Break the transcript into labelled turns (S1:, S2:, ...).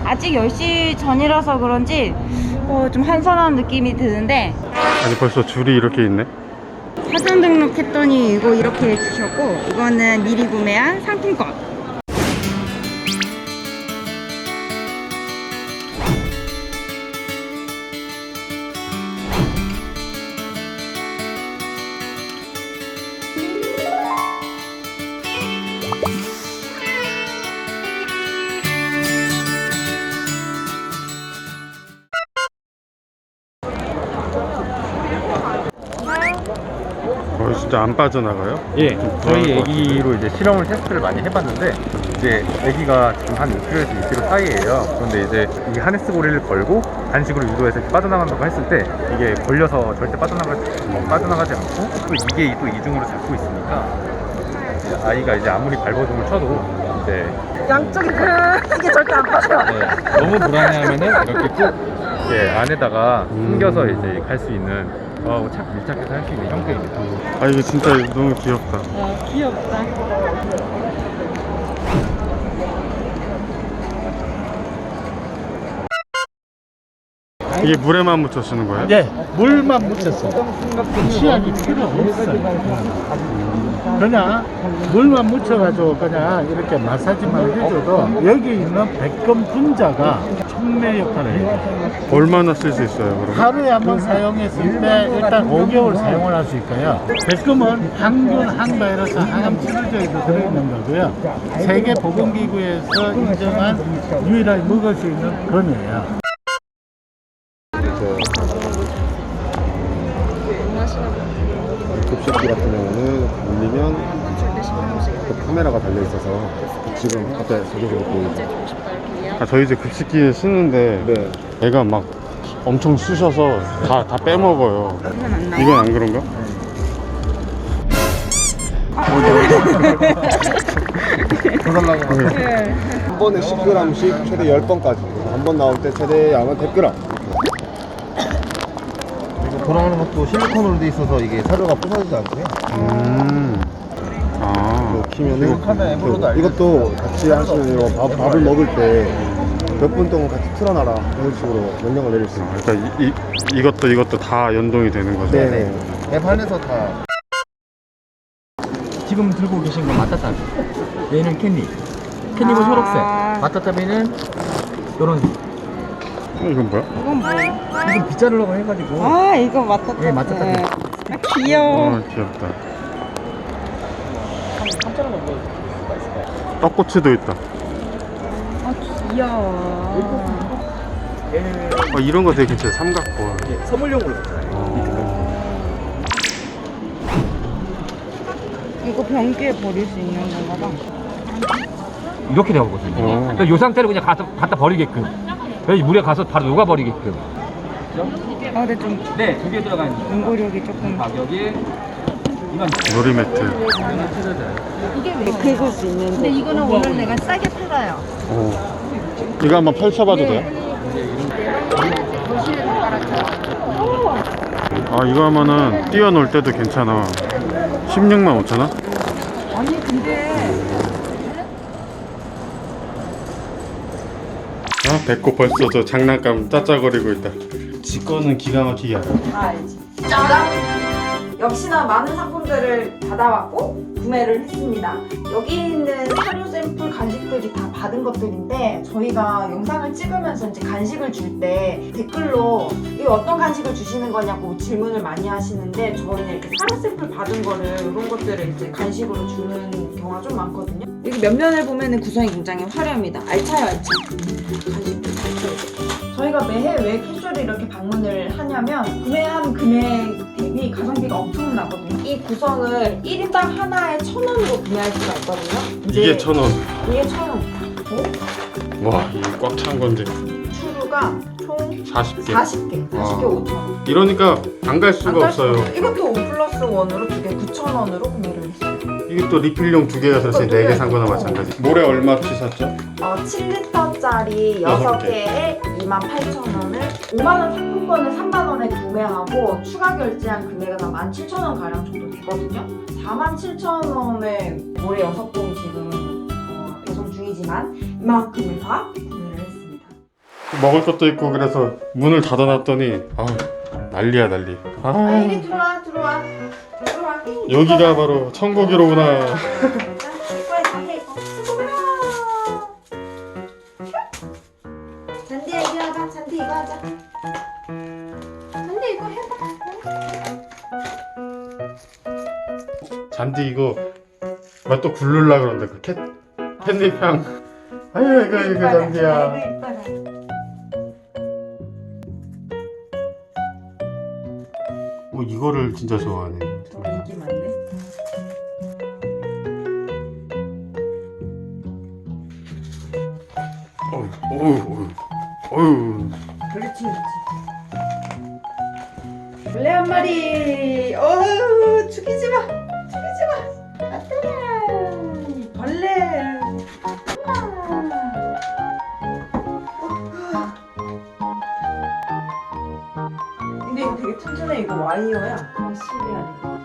S1: 아직 10시 전이라서 그런지 좀 한산한 느낌이 드는데,
S2: 아니 벌써 줄이 이렇게 있네.
S1: 사전 등록했더니 이거 이렇게 해주셨고, 이거는 미리 구매한 상품권.
S2: 진짜 안 빠져나가요?
S3: 예, 저희 애기로 이제 실험을 테스트를 많이 해봤는데 이제 애기가 지금 한 6kg에서 2kg 사이예요. 그런데 이제 이 하네스 고리를 걸고 간식으로 유도해서 빠져나간다고 했을 때 이게 걸려서 절대 빠져나가지 않고 또 이게 또 이중으로 잡고 있으니까 이제 아이가 이제 아무리 발버둥을 쳐도 이제
S1: 양쪽이 이게 절대 안 빠져.
S3: 너무 불안해하면은 이렇게 꼭 안에다가 숨겨서 이제 갈 수 있는 저하고 착 밀착해서 할 수 있는 형태입니다.
S2: 아 이거 진짜 너무 귀엽다.
S1: 귀엽다.
S2: 이게 물에만 묻혀 쓰는 거예요?
S4: 네, 물만 묻혔어. 치약이 필요 없어요. 그냥 물만 묻혀가지고 그냥 이렇게 마사지만 해줘도 여기 있는 백금 분자가 촉매 역할을 해요.
S2: 얼마나 쓸 수 있어요 그럼?
S4: 하루에 한 번 사용했을 때 일단 5개월 사용을 할 수 있고요. 백금은 항균, 항바이러스, 항암 치료제에도 들어있는 거고요. 세계보건기구에서 인정한 유일하게 먹을 수 있는 건이에요.
S5: 급식기 같은 경우는 올리면 카메라가 달려 있어서 지금 앞에 저기서 보이죠.
S2: 아, 저희 이제 급식기에 쓰는데
S5: 네.
S2: 애가 막 엄청 쑤셔서 다 빼먹어요. 이건 안 그런가?
S5: 해달라고 한 번에 10g씩 최대 10번까지. 한 번 나올 때 최대 양은 100g.
S6: 돌아가는 것도 실리콘으로 돼 있어서 이게 사료가 부서지지 않고요.
S2: 아,
S5: 키면은 이것도 같이 하시면 밥을 먹을 때 몇 분 동안 같이 틀어놔라 이런 식으로 명령을 내릴 수 있어요.
S2: 그러니까 이것도 다 연동이 되는 거죠?
S5: 네.
S6: 앱 안에서 다.
S3: 지금 들고 계신 건 마타타비. 얘는 캔디. 캔디고 초록색. 마타타비는 요런.
S2: 이건 뭐야?
S1: 이건 뭐예요?
S3: 이건 빗자루라고 해가지고.
S1: 이거 마타타.
S3: 예, 마타타비.
S1: 귀여워.
S2: 아 귀엽다. 떡꼬치도 있다.
S1: 귀여워.
S2: 이런 거 되게 괜찮아요. 삼각권.
S3: 선물용으로 샀잖아요.
S1: 이거 변기에 버릴 수 있는 건가 봐.
S3: 이렇게 되거든요. 그러니까 이 상태로 그냥 갖다 버리게끔. 그래서 물에 가서 바로 녹아버리게끔.
S1: 근데 좀
S3: 네, 두 개 들어가 있는
S1: 연고력이 조금
S3: 가격이 이만
S2: 놀이매트.
S1: 이게 긁을 수 있는데. 근데 이거는 오늘 내가 싸게 팔아요.
S2: 이거 한번 펼쳐봐도 돼요? 아 이거 하면은 뛰어놀 때도 괜찮아. 16만 5천 원?
S1: 아니 근데
S2: 배꼽 벌써 저 장난감 짜짜거리고 있다. 지 거는 기가 막히게 알아요.
S1: 알지. 짜잔! 역시나 많은 상품들을 받아왔고 구매를 했습니다. 여기 있는 사료 샘플 간식들이 다 받은 것들인데 저희가 영상을 찍으면서 이제 간식을 줄 때 댓글로 이거 어떤 간식을 주시는 거냐고 질문을 많이 하시는데 저희는 이렇게 사료 샘플 받은 거를 이런 것들을 이제 간식으로 주는 경우가 좀 많거든요. 여기 면면을 보면은 구성이 굉장히 화려합니다. 알차요, 알차. 간식도 잘 써요. 저희가 매해 왜 캐주얼이 이렇게 방문을 하냐면 구매한 금액 대비 가성비가 엄청나거든요. 이 구성을 1인당 하나에 1,000원으로 구매할 수가 있거든요.
S2: 이게 1,000원.
S1: 이게 1,000원.
S2: 와 이게 꽉 찬 건데.
S1: 추루가 총
S2: 40개.
S1: 40개 5,000원.
S2: 이러니까 안 갈 수가 없어요.
S1: 이것도 5+1으로 2개 9,000원으로 구매를 했어요.
S2: 이게 또 리필용 2개가 사실 4개 산 거나 마찬가지. 모래 얼마치 샀죠?
S1: 7리터짜리
S2: 여섯
S1: 6개에 28,000원을 5만원 상품권을 3만원에 구매하고 추가 결제한 금액은 한 17,000원 가량 정도 되거든요. 47,000원에 모래 6봉 지금 배송 중이지만 이만큼을 다 구매를 했습니다.
S2: 먹을 것도 있고 그래서 문을 닫아놨더니 아 난리야 난리.
S1: 아, 이리 들어와.
S2: 여기가 바로 천국이로구나.
S1: 이거에 잔디 이거. 잔디야 이리 와봐. 잔디 이거 하자. 잔디 이거 해봐.
S2: 잔디 이거 막 또 굴르려 그러는데 그 캣닙 향. 아유 이거 잔디야.
S1: 아이고 이뻐라.
S2: 이거를 진짜 좋아하네.
S1: 인기 많네.
S2: 어휴.
S1: 그렇지. 벌레 한 마리. 어휴, 죽이지 마. 아따라. 벌레. 근데 이거 되게 튼튼해. 이거 와이어야. 아, 실이 아니고.